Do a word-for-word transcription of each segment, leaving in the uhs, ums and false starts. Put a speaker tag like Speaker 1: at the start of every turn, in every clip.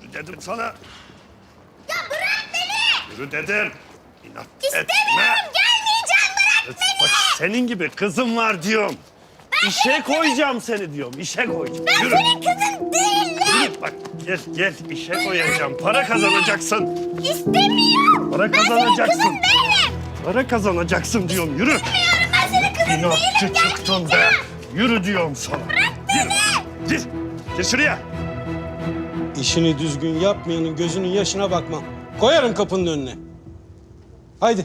Speaker 1: Yürü dedim sana.
Speaker 2: Ya bırak beni!
Speaker 1: Yürü dedim. İnat
Speaker 2: İstemiyorum,
Speaker 1: etme.
Speaker 2: gelmeyeceğim, bırak beni!
Speaker 1: Bak senin gibi kızım var diyorum. İşe koyacağım seni diyorum, işe koyacağım.
Speaker 2: Ben
Speaker 1: Yürü.
Speaker 2: senin kızın değilim!
Speaker 1: Yürü bak gel gel işe koyacağım. Para kazanacaksın.
Speaker 2: İstemiyorum!
Speaker 1: Para
Speaker 2: Ben senin
Speaker 1: kazanacaksın.
Speaker 2: kızın değilim!
Speaker 1: Para kazanacaksın diyorum, yürü.
Speaker 2: İstemiyorum, ben senin kızın değilim!
Speaker 1: İnatçı çıktın be.
Speaker 2: Gelmeyeceğim!
Speaker 1: Yürü diyorum sana.
Speaker 2: Bırak beni!
Speaker 1: Gir. Gir şuraya.
Speaker 3: İşini düzgün yapmayanın gözünün yaşına bakmam. Koyarım kapının önüne. Haydi.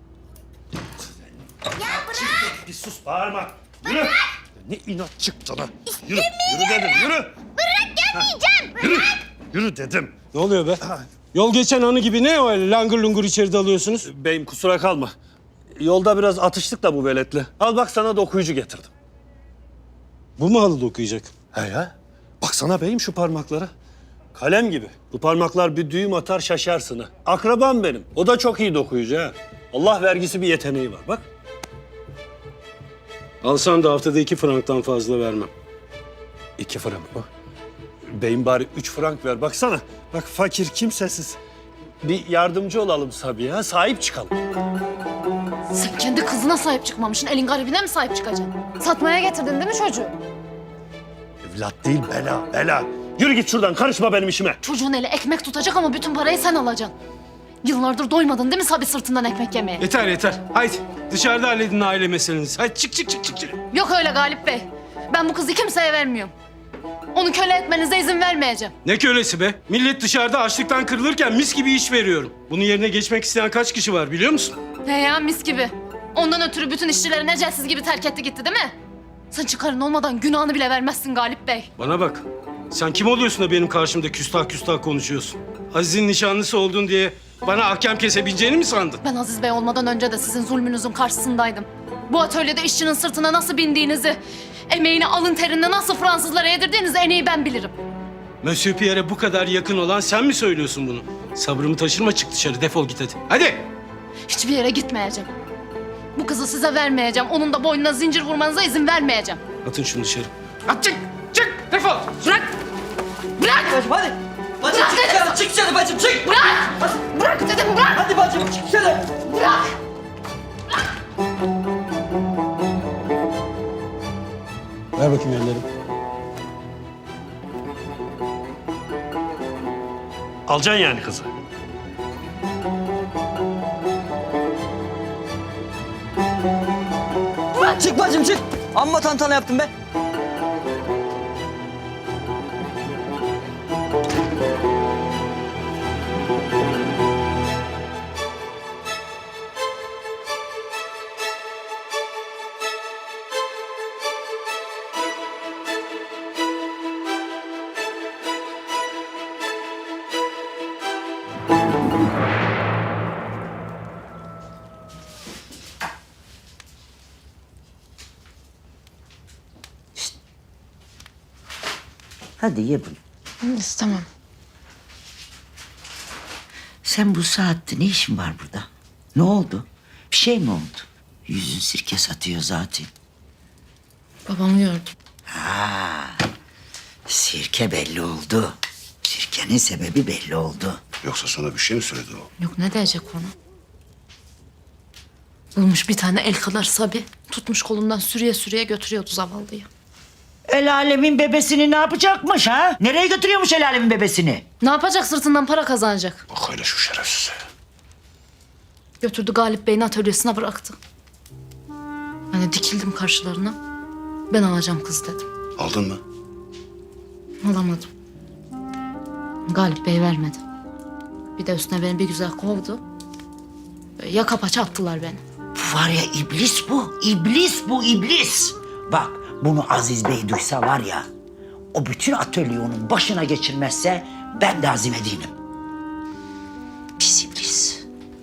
Speaker 2: Ya bırak!
Speaker 1: Bir sus, bağırma. Yürü. Ne inat çıktı lan. Yürü. Yürü dedim, yürü.
Speaker 2: Bırak, gelmeyeceğim!
Speaker 1: Yürü. Yürü dedim.
Speaker 3: Ne oluyor be? Yol geçen anı gibi ne öyle langır lungur içeri dalıyorsunuz?
Speaker 1: Beyim kusura kalma. Yolda biraz atıştık da bu veletle. Al bak sana da okuyucu getirdim.
Speaker 3: Bu mu halı dokuyacak?
Speaker 1: He ya. Baksana beyim şu parmaklara. Kalem gibi. Bu parmaklar bir düğüm atar şaşarsın ha. Akrabam benim. O da çok iyi dokuyucu ha. Allah vergisi bir yeteneği var bak.
Speaker 3: Alsam da haftada iki franktan fazla vermem.
Speaker 1: İki frank mı? Beyim bari üç frank ver. Baksana. Bak fakir kimsesiz. Bir yardımcı olalım Sabiha. Sahip çıkalım.
Speaker 4: Sen kendi kızına sahip çıkmamışsın, elin garibine mi sahip çıkacaksın? Satmaya getirdin değil mi çocuğu?
Speaker 1: Evlat değil bela bela. Yürü git şuradan karışma benim işime.
Speaker 4: Çocuğun eli ekmek tutacak ama bütün parayı sen alacaksın. Yıllardır doymadın değil mi Sabi sırtından ekmek yemeye?
Speaker 3: Yeter yeter. Haydi dışarıda halledin aile meselenizi. Haydi çık çık çık çık. çık.
Speaker 4: Yok öyle Galip Bey. Ben bu kızı kimseye vermiyorum. Onu köle etmenize izin vermeyeceğim.
Speaker 3: Ne kölesi be? Millet dışarıda açlıktan kırılırken mis gibi iş veriyorum. Bunun yerine geçmek isteyen kaç kişi var biliyor musun?
Speaker 4: He ya mis gibi. Ondan ötürü bütün işçileri necelsiz gibi terk etti gitti değil mi? Sen çıkarın olmadan günahını bile vermezsin Galip Bey.
Speaker 3: Bana bak. Sen kim oluyorsun da benim karşımda küstah küstah konuşuyorsun? Aziz'in nişanlısı oldun diye bana ahkam kesebileceğini mi sandın?
Speaker 4: Ben Aziz Bey olmadan önce de sizin zulmünüzün karşısındaydım. Bu atölyede işçinin sırtına nasıl bindiğinizi, emeğini alın terinde nasıl Fransızlara yedirdiğinizi en iyi ben bilirim.
Speaker 3: Monsieur Pierre'e bu kadar yakın olan sen mi söylüyorsun bunu? Sabrımı taşırma çık dışarı defol git hadi. Hadi!
Speaker 4: Hiçbir yere gitmeyeceğim. Bu kızı size vermeyeceğim. Onun da boynuna zincir vurmanıza izin vermeyeceğim.
Speaker 3: Atın şunu dışarı. At çık! Çık! Defol!
Speaker 4: Bırak! Bırak!
Speaker 5: Bacım hadi. Bacım
Speaker 4: Bırak
Speaker 5: çık
Speaker 4: dedim.
Speaker 5: dışarı, çık dışarı bacım çık.
Speaker 4: Bırak! Bırak dedim bırak!
Speaker 5: Hadi bacım çık dışarı.
Speaker 4: Bırak!
Speaker 3: Ver bakayım elleri.
Speaker 1: Alacaksın yani kızı.
Speaker 5: Çık bacım çık. Amma tantana yaptım be.
Speaker 6: Hadi ye bunu.
Speaker 4: İstemem.
Speaker 6: Sen bu saatte ne işin var burada? Ne oldu? Bir şey mi oldu? Yüzün sirke satıyor zaten.
Speaker 4: Babamı gördüm.
Speaker 6: Ha, sirke belli oldu. Sirkenin sebebi belli oldu.
Speaker 7: Yoksa sana bir şey mi söyledi o?
Speaker 4: Yok ne diyecek ona? Bulmuş bir tane el kadar Sabi. Tutmuş kolundan sürüye sürüye götürüyordu zavallıyı.
Speaker 6: El alemin bebesini ne yapacakmış ha? Nereye götürüyormuş el alemin bebesini?
Speaker 4: Ne yapacak sırtından para kazanacak?
Speaker 7: Bak hele şu şerefsize.
Speaker 4: Götürdü Galip Bey'in atölyesine bıraktı. Ben de dikildim karşılarına. Ben alacağım kız dedim.
Speaker 7: Aldın mı?
Speaker 4: Alamadım. Galip Bey vermedi. Bir de üstüne beni bir güzel kovdu. Böyle yaka paça attılar beni.
Speaker 6: Bu var ya iblis bu. İblis bu iblis. Bak bunu Aziz Bey duysa var ya, o bütün atölyeyi onun başına geçirmezse ben de azim değilim. Pis iblis.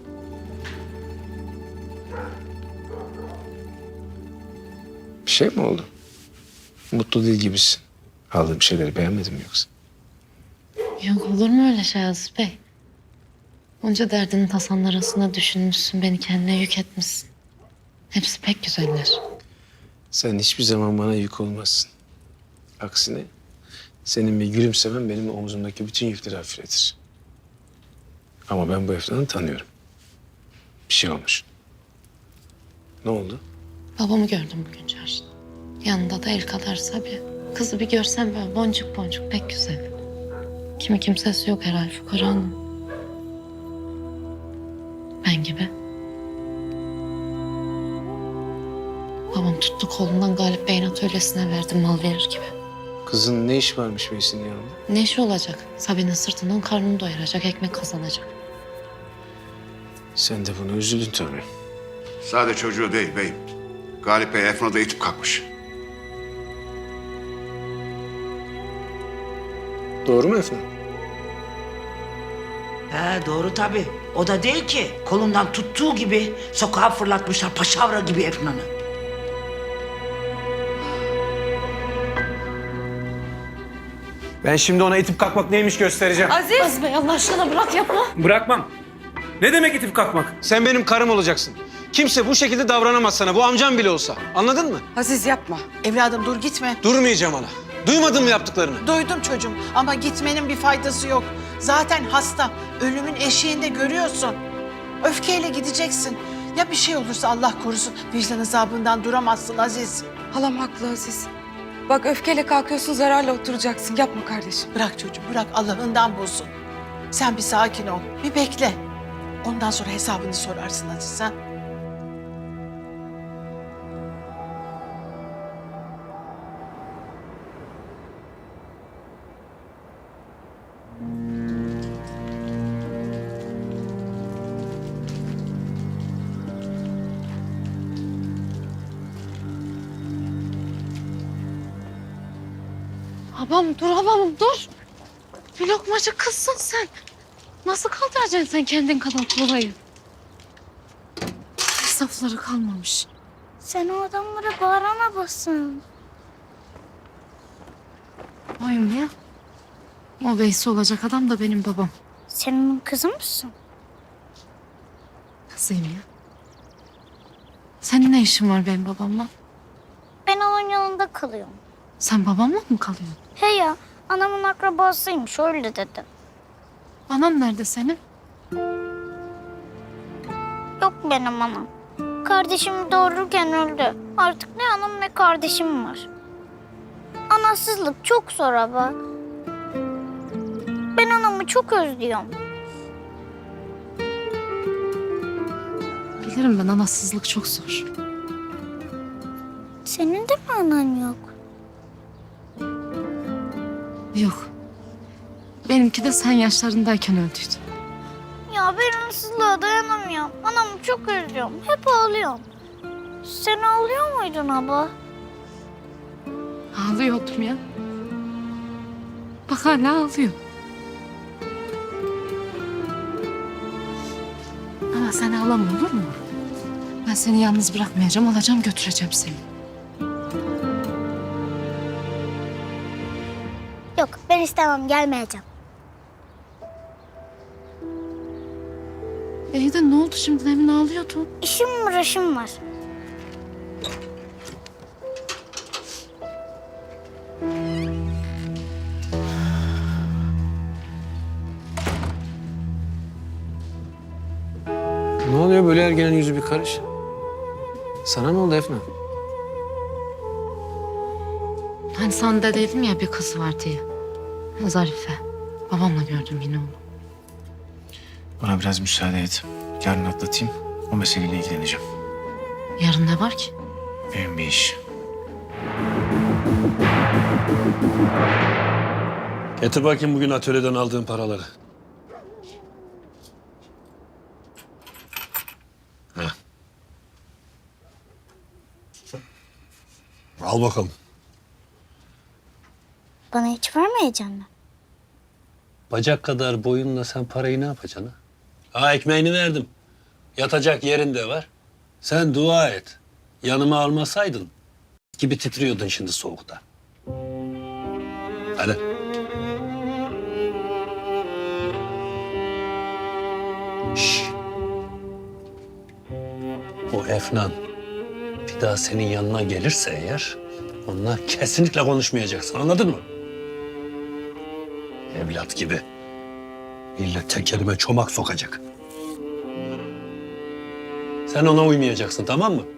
Speaker 8: Bir şey mi oldu? Mutlu değil gibisin. Aldığım şeyleri beğenmedin mi yoksa?
Speaker 4: Yok olur mu öyle şey Aziz Bey? Onca derdinin tasanın arasında düşünmüşsün, beni kendine yük etmişsin. Hepsi pek güzeller.
Speaker 8: Sen hiçbir zaman bana yük olmazsın. Aksine Senin bir gülümsemen benim omzumdaki bütün yükleri hafifletir. Ama ben bu Efnan'ı tanıyorum. Bir şey olmuş. Ne oldu?
Speaker 4: Babamı gördüm bugün çarşıda. Yanında da el kadar Sabi. Kızı bir görsem böyle boncuk boncuk pek güzel. Kimi kimsesi yok herhalde Fukara Hanım. Ben gibi. Babam tuttu kolundan Galip Bey'in atölyesine verdi mal verir gibi.
Speaker 8: Kızın ne iş varmış Veysi'nin yanında?
Speaker 4: Ne işi olacak? Sabi'nin sırtından karnını doyuracak, ekmek kazanacak.
Speaker 8: Sen de buna üzüldün tabii.
Speaker 7: Sadece çocuğu değil beyim. Galip Bey Efna'da itip kalkmış.
Speaker 8: Doğru mu Efnan?
Speaker 6: He doğru tabii. O da değil ki. Kolundan tuttuğu gibi sokağa fırlatmışlar paşavra gibi Efnan'ı.
Speaker 9: Ben şimdi ona itip kalkmak neymiş göstereceğim.
Speaker 10: Aziz!
Speaker 4: Aziz Bey Allah aşkına bırak yapma.
Speaker 9: Bırakmam. Ne demek itip kalkmak?
Speaker 3: Sen benim karım olacaksın. Kimse bu şekilde davranamaz sana. Bu amcam bile olsa. Anladın mı?
Speaker 10: Aziz yapma.
Speaker 11: Evladım dur gitme.
Speaker 3: Durmayacağım ana. Duymadın mı yaptıklarını?
Speaker 11: Duydum çocuğum ama gitmenin bir faydası yok. Zaten hasta. Ölümün eşiğinde görüyorsun. Öfkeyle gideceksin. Ya bir şey olursa Allah korusun vicdan azabından duramazsın Aziz.
Speaker 10: Halam haklı Aziz. Bak öfkeyle kalkıyorsun, zararla oturacaksın. Yapma kardeşim.
Speaker 11: Bırak çocuğum bırak Allah'ından bulsun. Sen bir sakin ol. Bir bekle. Ondan sonra hesabını sorarsın Aziz ha.
Speaker 4: Babam dur babam dur. Bir lokmacık kızsın sen. Nasıl kaldıracaksın sen kendin kadar kolayı? Safları kalmamış.
Speaker 2: Sen o adamlara bağırana basın.
Speaker 4: Oyum ya. O Veysi olacak adam da benim babam.
Speaker 2: Sen onun kızı mısın?
Speaker 4: Kızıyım ya. Senin ne işin var benim babamla?
Speaker 2: Ben onun yanında kalıyorum.
Speaker 4: Sen babamla mı kalıyorsun?
Speaker 2: He ya, anamın akrabasıymış öyle dedi.
Speaker 4: Anan nerede senin?
Speaker 2: Yok benim anam. Kardeşimi doğururken öldü. Artık ne anam ne kardeşim var. Anasızlık çok zor ama. Ben anamı çok özlüyorum.
Speaker 4: Bilirim ben anasızlık çok zor.
Speaker 2: Senin de mi anan yok?
Speaker 4: Yok. Benimki de sen yaşlarındayken öldüydü.
Speaker 2: Ya ben anasızlığa dayanamıyorum. Anamı çok özlüyorum. Hep ağlıyorum. Sen ağlıyor muydun abla?
Speaker 4: Ağlıyordum ya. Bak hala ağlıyor. Ama sen ağlama olur mu? Ben seni yalnız bırakmayacağım, alacağım götüreceğim seni.
Speaker 2: Yok ben istemem gelmeyeceğim.
Speaker 4: İyi de ne oldu şimdi? Demin ağlıyordun.
Speaker 2: İşim var işim var.
Speaker 8: Ne oluyor böyle ergenin yüzü bir karış? Sana ne oldu Efna?
Speaker 4: Hani sana da dedim ya bir kız var diye. Zarife. Babamla gördüm yine onu.
Speaker 8: Bana biraz müsaade et. Yarın atlatayım. O meseleyle ilgileneceğim.
Speaker 4: Yarın ne var ki?
Speaker 8: Benim bir iş.
Speaker 1: Getir bakayım bugün atölyeden aldığın paraları. Heh. Al bakalım.
Speaker 2: Bana hiç vermeyeceksin mi?
Speaker 1: Bacak kadar boyunla sen parayı ne yapacaksın ha? Ha ekmeğini verdim. Yatacak yerin de var. Sen dua et. Yanıma almasaydın gibi titriyordun şimdi soğukta. Hadi. Şş. O Efnan bir daha senin yanına gelirse eğer onunla kesinlikle konuşmayacaksın. Anladın mı? Hayat gibi. Millet tekerime çomak sokacak. Sen ona uymayacaksın, tamam mı?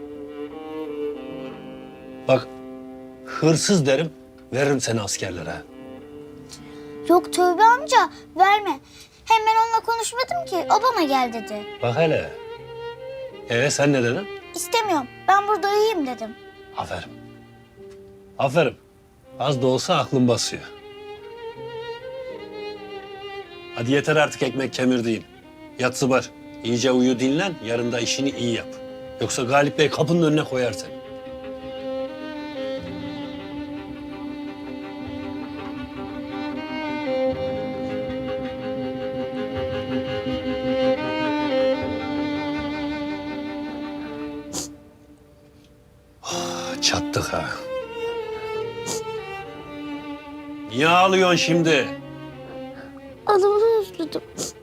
Speaker 1: Bak, hırsız derim, veririm seni askerlere.
Speaker 2: Yok Tövbe amca verme. Hem ben onunla konuşmadım ki. O bana gel dedi.
Speaker 1: Bak hele. Ee sen ne dedin?
Speaker 2: İstemiyorum. Ben burada iyiyim dedim.
Speaker 1: Aferin. Aferin. Az da olsa aklın basıyor. Hadi yeter artık ekmek kemirdiğin. Yat zıbar. İyice uyu dinlen. Yarın da işini iyi yap. Yoksa Galip Bey kapının önüne koyar seni. Ah, çattık ha. Niye ağlıyorsun şimdi?
Speaker 2: Adamı özledim.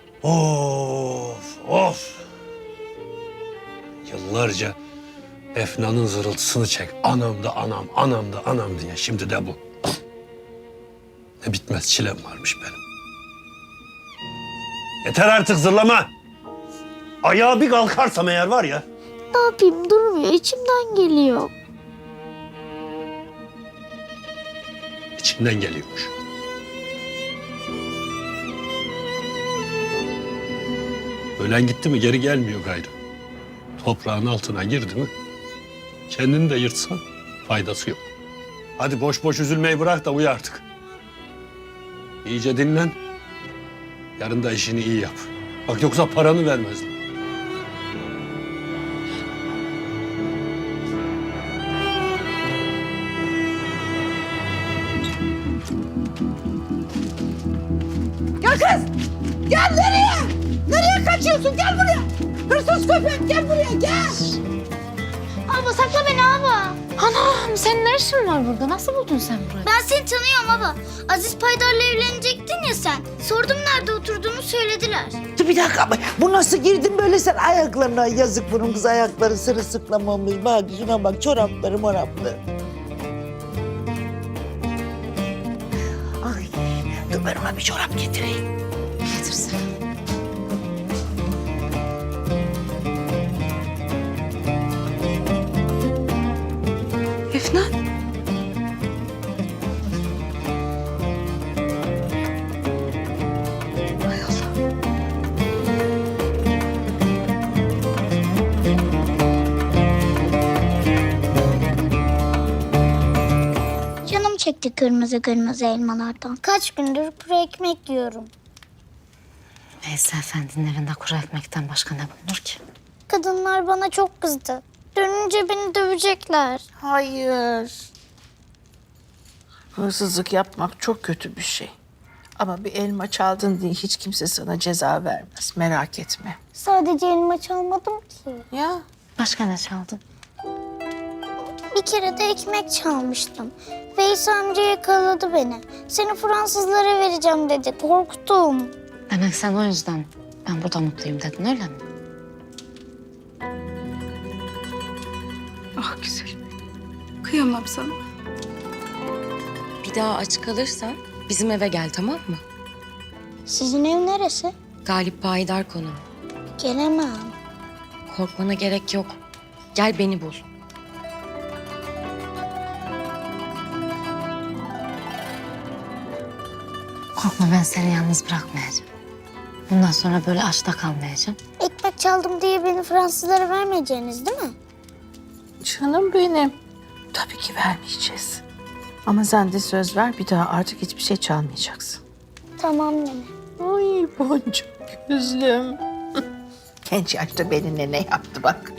Speaker 1: Of, of. Yıllarca Efna'nın zırıltısını çek. Anam da anam, anam da anam diye. Şimdi de bu. Ne bitmez çilem varmış benim. Yeter artık zırlama. Ayağa bir kalkarsam eğer var ya.
Speaker 2: Ne yapayım durmuyor. İçimden geliyor.
Speaker 1: İçinden geliyormuş. Ölen gitti mi geri gelmiyor gayrı. Toprağın altına girdi mi kendini de yırtsan faydası yok. Hadi boş boş üzülmeyi bırak da uyu artık. İyice dinlen. Yarın da işini iyi yap. Bak yoksa paranı vermezler.
Speaker 11: Gel kız! Gel nereye? Nereye kaçıyorsun? Gel buraya! Hırsız köpek gel buraya gel!
Speaker 2: Abla sakla beni abla.
Speaker 4: Anam senin ne işin var burada? Nasıl buldun sen burayı?
Speaker 2: Ben seni tanıyorum abla. Aziz Paydar'la evlenecektin ya sen. Sordum nerede oturduğunu söylediler.
Speaker 6: Dur bir dakika ama bu nasıl girdin böyle sen ayaklarına? Yazık bunun kız ayakları sırılsıklam olmuş. Bak şuna bak çorapları morapları. Ay dur ben ona bir çorap getireyim.
Speaker 4: Getirsin.
Speaker 10: Efnan. Hay Allah.
Speaker 2: Canım çekti kırmızı kırmızı elmalardan. Kaç gündür kuru ekmek yiyorum.
Speaker 4: Veysel Efendi'nin evinde kuru ekmekten başka ne bulunur ki?
Speaker 2: Kadınlar bana çok kızdı. Dönünce beni dövecekler.
Speaker 11: Hayır. Hırsızlık yapmak çok kötü bir şey. Ama bir elma çaldın diye hiç kimse sana ceza vermez. Merak etme.
Speaker 2: Sadece elma çalmadım ki.
Speaker 11: Ya
Speaker 4: Başka ne çaldın?
Speaker 2: Bir kere de ekmek çalmıştım. Veysel amca yakaladı beni. Seni Fransızlara vereceğim dedi. Korktum.
Speaker 4: Demek sen o yüzden ben burada mutluyum dedin öyle mi?
Speaker 10: Ah güzelim. Kıyamam sana.
Speaker 12: Bir daha aç kalırsan bizim eve gel, tamam mı?
Speaker 2: Sizin ev neresi?
Speaker 12: Galip Payidar konuğu.
Speaker 2: Gelemem.
Speaker 12: Korkmana gerek yok. Gel beni bul.
Speaker 4: Korkma ben seni yalnız bırakmayacağım. Bundan sonra böyle açta kalmayacağım.
Speaker 2: Ekmek çaldım diye beni Fransızlara vermeyeceğiniz değil mi?
Speaker 11: canım benim. Tabii ki vermeyeceğiz. Ama sen de söz ver bir daha artık hiçbir şey çalmayacaksın.
Speaker 2: Tamam nene.
Speaker 11: Ay boncuk gözlüm. Genç yaşta benimle ne yaptı bak.